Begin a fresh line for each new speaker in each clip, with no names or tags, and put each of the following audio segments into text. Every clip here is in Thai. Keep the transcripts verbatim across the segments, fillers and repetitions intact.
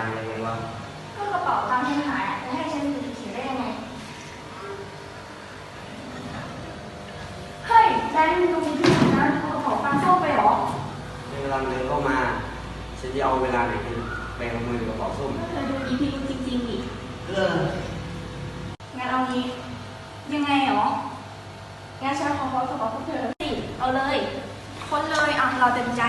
ตังค์อะไรไงวะ
ก็กระเป๋าตังค์ฉันหายจะให้ฉันถือได้ยังไงเฮ้ยแบงค์ดูที่นะเอากระเป๋าตังค์เข้าไปหรอ
ในเวลาเดินเข้ามาฉันจะเอาเวลาไหนไปเอามือกระเป๋าส้ม
เธอดูอีพีจริงๆดิ
เออ
งั้นเอางี้ยังไงหรองั้นฉันขอขอกระเป๋าพวกเธอสิเอาเลยคนเลยอ่ะเราเต็มใจ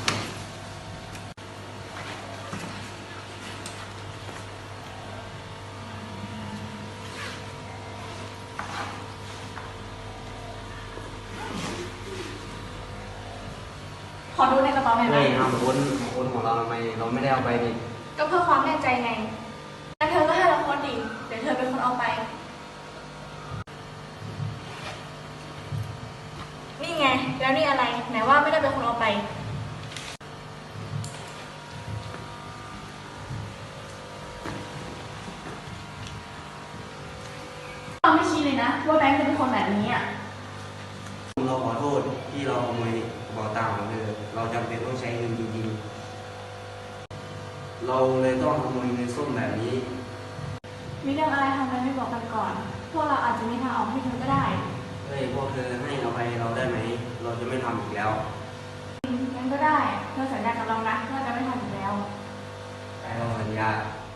ขอดูในกระเป๋าหน่อยไหม
ไม่เอาคนคนของเราทำไมเราไม่ได้เอาไปดิ
ก็เพื่อความแน่ใจไงงั้นเธอก็ให้เราคนดิเดี๋ยวเธอเป็นคนเอาไปนี่ไงแล้วนี่อะไรไหนว่าไม่ได้เป็นคนเอาไปเราไม่ชี้เลยนะว่าแบงค์จะเป็นคนแบบนี้อ่ะ
เราขอโทษที่เราขโมยกระเป๋าตังค์ของเธอเราจำเป็นต้องใช้เงินจริงๆเราเลยต้องขโมยเงินส้มแบบนี้
มีเรื่องอะไรทำไมไม่บอกกันก่อนพวกเราอาจจะมีทางออกให้เธอก็ได้
เฮ้ยพวกเธอให้อภัยเราได้ไหมเราจะไม่ทำอีกแล้ว
งั้นก็ได้เธอสัญญากับเรานะว่าจะไม่ทำอีกแล้ว
เราสัญญา